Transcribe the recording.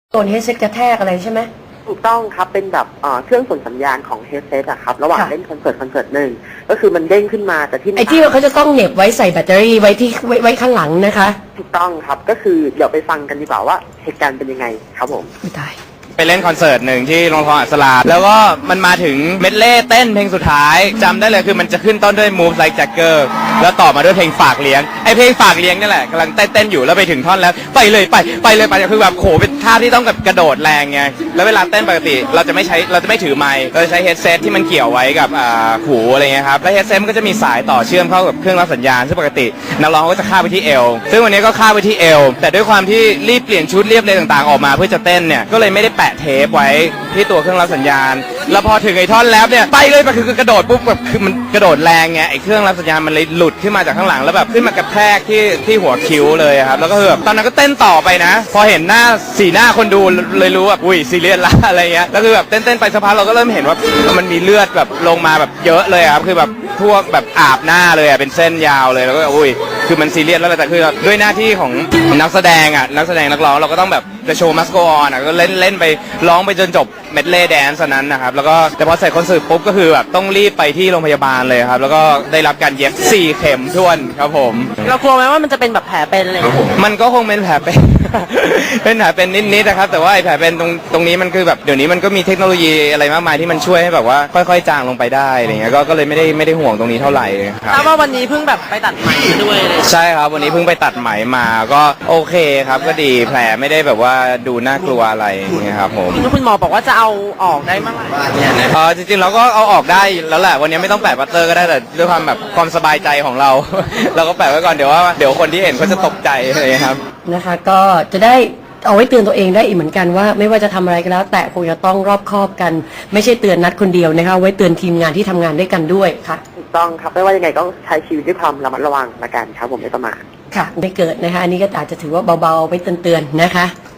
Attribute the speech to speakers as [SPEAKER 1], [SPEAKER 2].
[SPEAKER 1] โดนเฮดเซ็ตกระแทกอะไรใช่ไหม
[SPEAKER 2] ถูกต้องครับเป็นแบบเครื่องส่งสัญญาณของเฮดเซตอะครับระหว่างเล่นคอนเสิร์ตหนึ่งก็คือมันเด้งขึ้นมาแต่ที่
[SPEAKER 1] ไอ้ที่เขาจะต้องเหน็บไว้ใส่แบตเตอรี่ไว้ที่ไว้ข้างหลังนะคะ
[SPEAKER 2] ถูกต้องครับก็คือเดี๋ยวไปฟังกันดีกว่าว่าเหตุการณ์เป็นยังไงครับผม
[SPEAKER 1] ไม่ตาย
[SPEAKER 3] ไปเล่นคอนเสิร์ตหนึ่งที่โรงละครอัศราแล้วก็มันมาถึงเมดเล่เต้นเพลงสุดท้ายจำได้เลยคือมันจะขึ้นต้นด้วย Move Like Jagger แล้วต่อมาด้วยเพลงฝากเลี้ยงไอเพลงฝากเลี้ยงนี่แหละกำลังเต้นอยู่แล้วไปถึงท่อนแล้วไปเลยคือแบบโขเป็นท่าที่ต้องกับกระโดดแรงไงแล้วเวลาเต้นปกติเราจะไม่ถือไมค์เราจะใช้เฮดเซตที่มันเกี่ยวไว้กับหูอะไรเงี้ยครับแล้วเฮดเซตมันก็จะมีสายต่อเชื่อมเข้ากับเครื่องรับสัญญาณซึ่งปกตินักร้องก็จะคาบไปที่เอวซึ่งวันนี้ก็คาบไปที่เอวแต่ด้วยความที่รีบเปลี่ยนชุดเรียบเลยต่างๆออกมาเพื่อจะเต้นเนี่ยก็เลยไม่ได้แปะเทปไว้ที่ตัวเครื่องรับสัญญาณแล้วพอถึงไอ้ท่อนแล้วเนี่ยไปเลยคือกระโดดปุ๊บแบบคือมันกระโดดแรงไงไอ้เครื่องรับสัญญาณมันเลยหลุดขึ้นมาจากข้างหลังแล้วแบบขึ้นมากระแทกที่หัวคิ้วเลยครับแล้วก็คือแบบตอนนั้นก็เต้นต่อไปนะพอเห็นสีหน้าคนดูเลยรู้ว่าอุ้ยซีเรียสละอะไรเงี้ยแล้วคือแบบเต้นไปสักพักเราก็เริ่มเห็นว่ามันมีเลือดแบบลงมาแบบเยอะเลยครับคือแบบพวกแบบอาบหน้าเลยเป็นเส้นยาวเลยแล้วก็อุ้ยคือมันซีเรียสแล้วแต่คือด้วยหน้าที่ของนักแสดงนักร้องเราก็ต้องแบบจะโชว์มัสโกออนก็เล่นไปร้องไปจนจบเมดเล่แดนซ์นั้นนะครับแล้วก็แต่พอใส่คอนเสิร์ตปุ๊บก็คือแบบต้องรีบไปที่โรงพยาบาลเลยครับแล้วก็ได้รับการเย็บ4เข็มท้วนครับผม
[SPEAKER 4] เรากลัวไหมว่ามันจะเป็นแบบแผลเป็นอะไร
[SPEAKER 3] มันก็คงเป็นแผลเป็น เป็นแผลเป็นนิดนะครับแต่ว่าไอ้แผลเป็นตรงนี้มันคือแบบเดี๋ยวนี้มันก็มีเทคโนโลยีอะไรมากมายที่มันช่วยให้แบบว่าค่อยๆจางลงไปได้อะไรเงี้ยก็เลยไม่ได้ห่วงตรงนี้เท่าไหร่ครับ
[SPEAKER 4] ทราบว่าวันนี้เพิ่งแบบไปตัดไหมด้วยเลย
[SPEAKER 3] ใช่ครับวันนี้เพิ่งไปตัดไหมมาก็โอเคครับก็ดีแผลไม่ได้แบบว่าดูน่ากลัวอะไรอย่างเงี้ยครับผม
[SPEAKER 4] คุณหมอบอกว่าจะเอาออกได้เมื่อไหร่
[SPEAKER 3] จริงๆเราก็เอาออกได้แล้วแหละวันนี้ไม่ต้องแปะปัตเตอร์ก็ได้แต่ด้วยความแบบความสบายใจของเรา เราก็แปะไว้ก่อนเดี๋ยวคนที่เห็นเขาจะตกใจอะไรครับ
[SPEAKER 1] นะคะก็จะได้เอาไว้เตือนตัวเองได้อีกเหมือนกันว่าไม่ว่าจะทำอะไรก็แล้วแต่คงจะต้องรอบคอบกันไม่ใช่เตือนนัดคนเดียวนะคะไว้เตือนทีมงานที่ทำงานด้วยกันด้วยค่ะ
[SPEAKER 2] ถูกต้องครับไม่ว่ายังไงก็ใช้ชีวิตด้วยความระมัดระวังละกันครับผมไม่ประมาท
[SPEAKER 1] ค่ะไม่เกิดนะคะอันนี้ก็อาจจะถือว่าเบาๆไว้เตือนๆนะคะ